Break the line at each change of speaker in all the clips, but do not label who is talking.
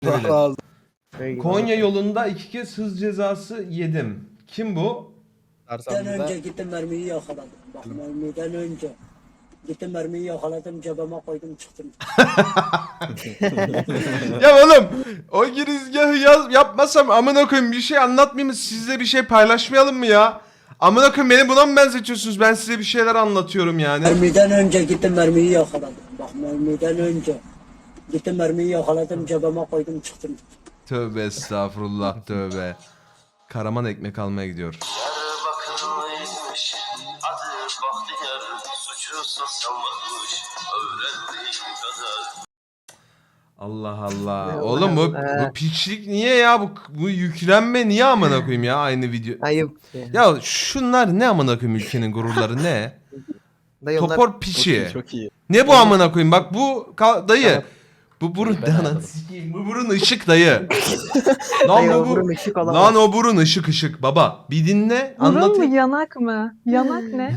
Razı.
Konya yolunda 2 kez hız cezası yedim. Kim bu?
Dersen
Mermiden önce
bize.
gittim mermiyi yakaladım. Bak mermiden önce gittim mermiyi yakaladım cebime koydum çıktım.
Ya oğlum o girizgahı yapmasam amına koyayım bir şey anlatmayayım mı? Sizle bir şey paylaşmayalım mı ya? Amına koyayım beni buna mı benzetiyorsunuz? Ben size bir şeyler anlatıyorum yani.
Mermiden önce gittim mermiyi yakaladım. Bak mermiden önce gittim mermiyi yakaladım cebime koydum çıktım.
Tövbe estağfurullah tövbe. Karaman ekmek almaya gidiyor.
Bakılıymış, adı Bahtiyar, suçu sosyalmış, öğrendiğim kadar.
Allah Allah. Oğlum bu piçlik niye ya? Bu yüklenme niye amına koyayım ya aynı video.
Ayıp.
Ya şunlar ne amına koyayım ülkenin gururları ne?
Dayı onlar
Topor piçi.
Çok iyi.
Ne bu amına koyayım? Bak bu dayı.
Tamam.
Bu burun
Ben
dana
anladım.
sikeyim. Bu burun ışık dayı. Lan
dayı
bu
burun ışık olamaz.
Lan o burun ışık baba. Bir dinle
Burun mu
anlatayım.
yanak mı? Yanak ne?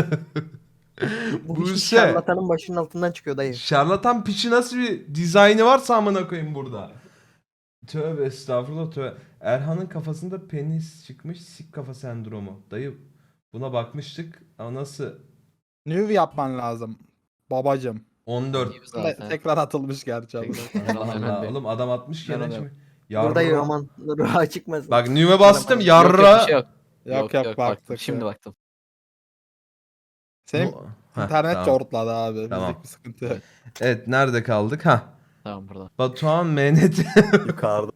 Bu
Buse.
hiç şarlatanın başının altından çıkıyor dayı.
Şarlatan piçi nasıl bir dizaynı varsa amına koyayım burada. Tövbe estağfurullah tövbe. Erhan'ın kafasında penis çıkmış sik kafa sendromu. Dayı buna bakmıştık ama nasıl?
Nude yapman lazım. Babacım.
14.
Zaten.
Tekrar atılmış gerçi abi.
Allah oğlum adam 60
Ben
kere
öyle.
mi?
Burada aman ruha çıkmaz.
Bak nüve bastım
Yok,
yarra.
yok, bir şey yok.
Yok yok baktık.
Şimdi
ya.
baktım.
Senin
Heh,
internet
tamam.
çortladı abi.
Tamam.
Bizlik bir sıkıntı yok.
Evet nerede kaldık? Ha.
Tamam burada.
Batuhan MNT.
Yukarıda.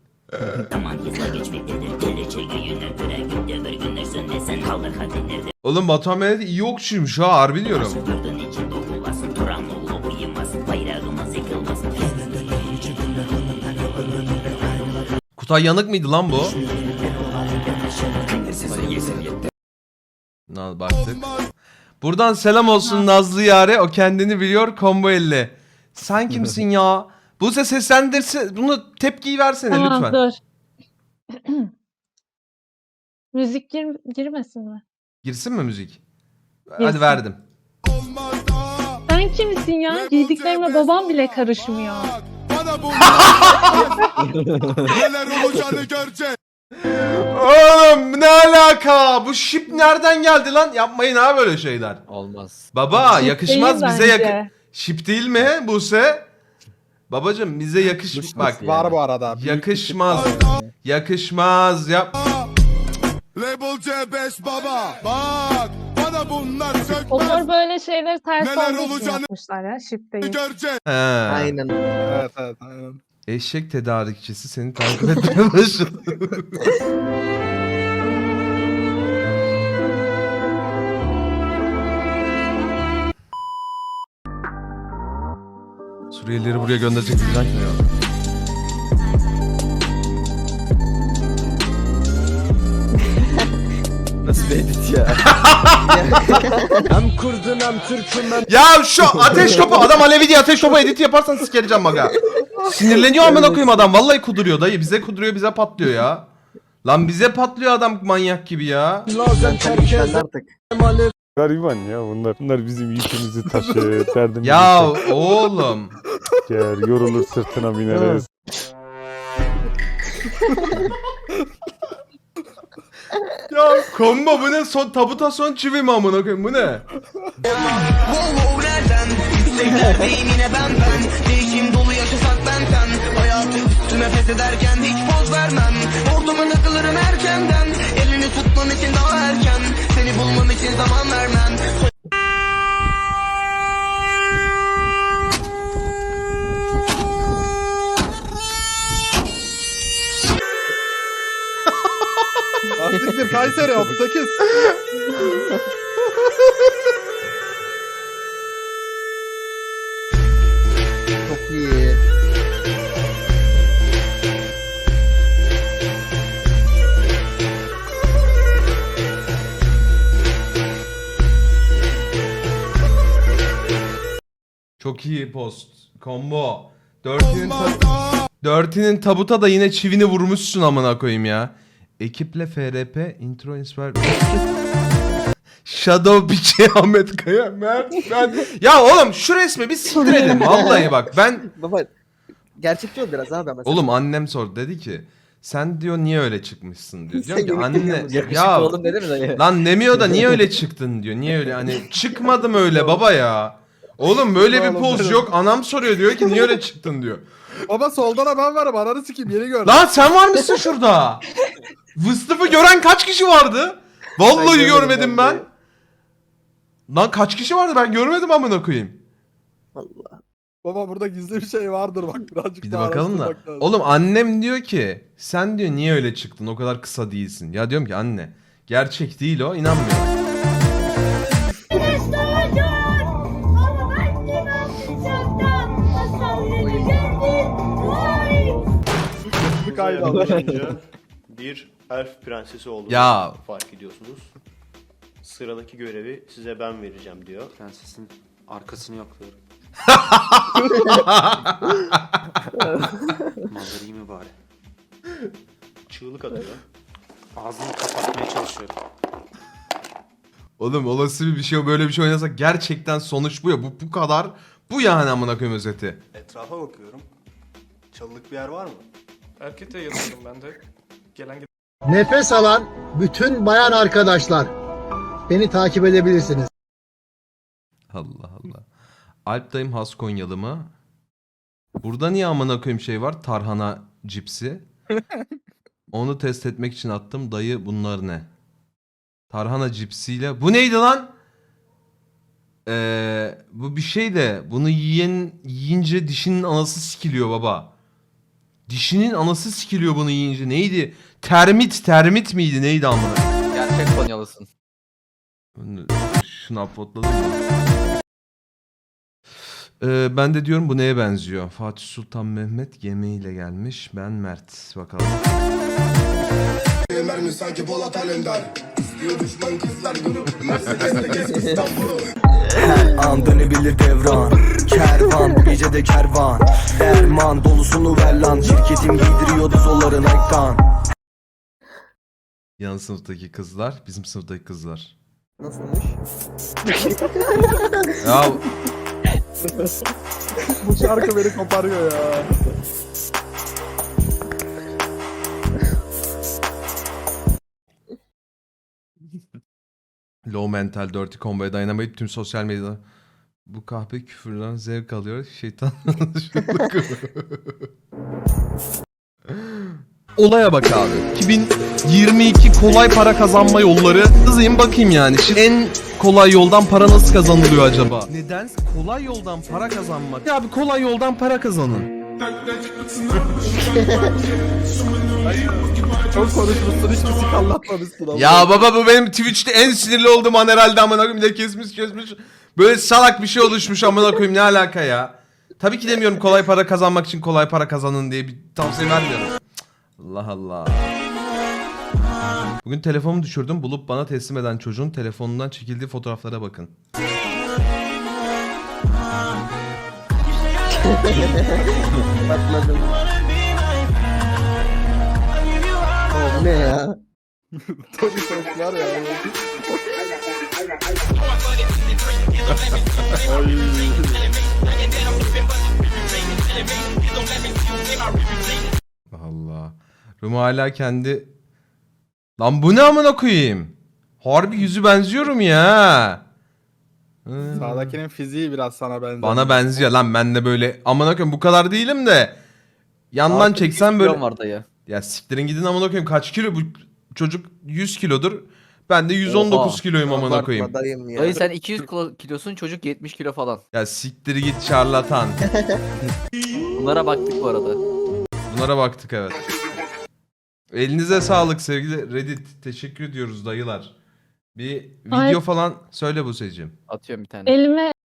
Oğlum Batuhan MNT iyi okçuymuş ha harbi diyorum. Kutay Yanık mıydı lan bu? Baktık. Buradan selam olsun Nazlı Yare. O kendini biliyor. Combo 50. Sen kimsin ya? Buse seslendirse bunu tepkiyi versene
Tamam
lütfen.
dur. Müzik girmesin mi?
Girsin mi müzik? Hadi
Girsin.
verdim.
Sen kimsin ya? Giydiklerime babam bile karışmıyor.
Neler olacağını görecek.
Oğlum ne alaka? Bu şip nereden geldi lan? Yapmayın ha böyle şeyler.
Olmaz.
Baba
Şip
yakışmaz
değil
bize
bence.
Şip değil mi Buse? Babacım bize bak.
Var bu arada. Büyük
Yakışmaz. Yakışmaz. Yap.
Label C5 baba. Bak bana bunlar
Onlar
sökmez.
böyle şeyleri ters
Neler
olduğu için
olacağını
yapmışlar ya. Şip değil.
Görecek.
He.
Aynen.
Evet evet aynen.
Eşek tedarikçisi seni takip etmeye başladı. Suriyelileri buraya gönderecek bir plan kim ya?
Nasıl bir edit ya?
Hem Kurdun hem Türk'üm hem...
Ya şu ateş topu adam Alevi diye ateş topu edit yaparsan sikereceğim maga. Sinirleniyor amına koyayım adam. Vallahi kuduruyor dayı. Bize kuduruyor bize patlıyor ya. Lan bize patlıyor adam manyak gibi ya.
Sen terk artık.
Gariban ya bunlar. Bunlar bizim yükümüzü taşır, derdimizi
Ya oğlum.
çeker, yorulur sırtına bineriz.
Ya kombo bu ne? Tabuta son çivi mi amına koyayım bu ne?
Yine ben değişim dolu yaşasak benden hayatı üstüme feshederken hiç poz vermem orduma takılırım erkenden elini tutmam için daha erken seni bulmam için zaman vermem.
Asiktir Kayseri 38.
Çok iyi.
Çok iyi post. Combo. Dörtünün tabuta da yine çivini vurmuşsun amına koyayım ya. Ekiple FRP intro inspire. Shadow Biçi Ahmet Kaya Mert ben. Ya oğlum şu resmi bir siktir edin vallahi bak ben
Baba gerçekçi ol biraz abi ama.
Oğlum annem sordu, dedi ki sen diyor niye öyle çıkmışsın diyor.
Sen
Diyorum ki
yemekte
anne
yiyor
ya
oğlum dedi mi dayı?
lan demiyor da niye öyle çıktın diyor. Niye öyle hani çıkmadım öyle baba ya. Oğlum böyle bir
Oğlum,
poz
benim.
yok. Anam soruyor, diyor ki niye öyle çıktın diyor.
Baba soldan da ben varım. Ananı sikeyim yeni gördüm.
Lan sen var mısın şurada? Vıstıfı gören kaç kişi vardı? Vallahi
Ben görmedim
görmedim ben.
vallahi.
Lan kaç kişi vardı, ben görmedim amına koyayım.
Allah.
Baba burada gizli bir şey vardır bak. Birazcık
Bir de
daha
bakalım da.
araştırmak lazım.
Oğlum annem diyor ki sen diyor niye öyle çıktın, o kadar kısa değilsin. Ya diyorum ki anne gerçek değil o, inanmıyor.
Bir kaydı aldım.
Alınca bir elf prensesi olduğunu
Ya.
fark ediyorsunuz. Sıradaki görevi size ben vereceğim diyor.
Prensesin arkasını yokluyorum. Malları iyi mi bari?
Çığlık atıyor.
Ağzını kapatmaya çalışıyorum.
Oğlum olası bir şey, böyle bir şey oynasak gerçekten sonuç bu ya. Bu kadar. Bu yani amına koyayım özeti.
Etrafa bakıyorum. Çalılık bir yer var mı?
Erkete yatıyorum ben de. Gelen
Nefes alan bütün bayan arkadaşlar beni takip edebilirsiniz.
Allah Allah. Alp dayım has Konyalı mı? Burada niye amına koyayım şey var? Tarhana cipsi. Onu test etmek için attım. Dayı bunlar ne? Tarhana cipsiyle. Bu neydi lan? Bu bir şey de bunu yiyince dişinin anası sikiliyor baba. Dişinin anası sikiliyor bunu yiyince. Neydi? Termit miydi? Neydi amına?
Gerçek Konyalısın.
Şunu uploadladım mı? Ben de diyorum bu neye benziyor? Fatih Sultan Mehmet yemeğiyle gelmiş. Ben Mert. Bakalım.
Mermi sanki Polat Alemdar. İstiyor düşman kızlar grup. Mercedes'te gez İstanbul'u.
An dönebilir devran. Kervan bu gece de kervan. Derman dolusunu ver lan. Şirketim giydiriyordu zolların ekran.
Yan sınıftaki kızlar, bizim sınıftaki kızlar.
Nasılmış?
Ya
Bu şarkı beni koparıyor ya.
low mental, dirty combo'ya dayanamayıp tüm sosyal medyada bu kahpe küfürden zevk alıyor. Şeytan. Olaya bak abi. 2022 kolay para kazanma yolları. Hızlıyım bakayım yani. Şimdi en kolay yoldan para nasıl kazanılıyor acaba? Neden? Kolay yoldan para kazanmak. Ya abi kolay yoldan para kazanın.
Çok konuşmuşsun hiç müzik anlatmamışsın ama.
Ya baba bu benim Twitch'te en sinirli olduğum an herhalde amına koyayım. Bir de kesmiş. Böyle salak bir şey oluşmuş amına koyayım, ne alaka ya? Tabii ki demiyorum kolay para kazanmak için kolay para kazanın diye bir tavsiye vermiyorum. Cık, Allah Allah. Bugün telefonumu düşürdüm. Bulup bana teslim eden çocuğun telefonundan çekildiği fotoğraflara bakın.
Patladım. Oğlum ne ya?
Tabii çok var ya.
Allah. Ruma hala kendi... Lan bu ne amına koyayım? Harbi yüzü benziyorum ya.
Sağdakinin fiziği biraz sana benziyor.
Bana benziyor lan, ben de böyle amına koyayım bu kadar değilim de. Yandan çeksen böyle.
var dayı.
Ya siktirin gidin amına koyayım, kaç kilo bu çocuk? 100 kilodur. Ben de 119
Oha.
kiloyum amına
Abartma
koyayım.
dayım ya.
Dayı sen 200 kilosun, çocuk 70 kilo falan.
Ya siktir git şarlatan.
Bunlara baktık bu arada.
Bunlara baktık evet. Elinize sağlık sevgili Reddit. Teşekkür ediyoruz dayılar. Bir video
Ay.
falan söyle bu Buse'cim.
Atıyorum bir tane.
Elime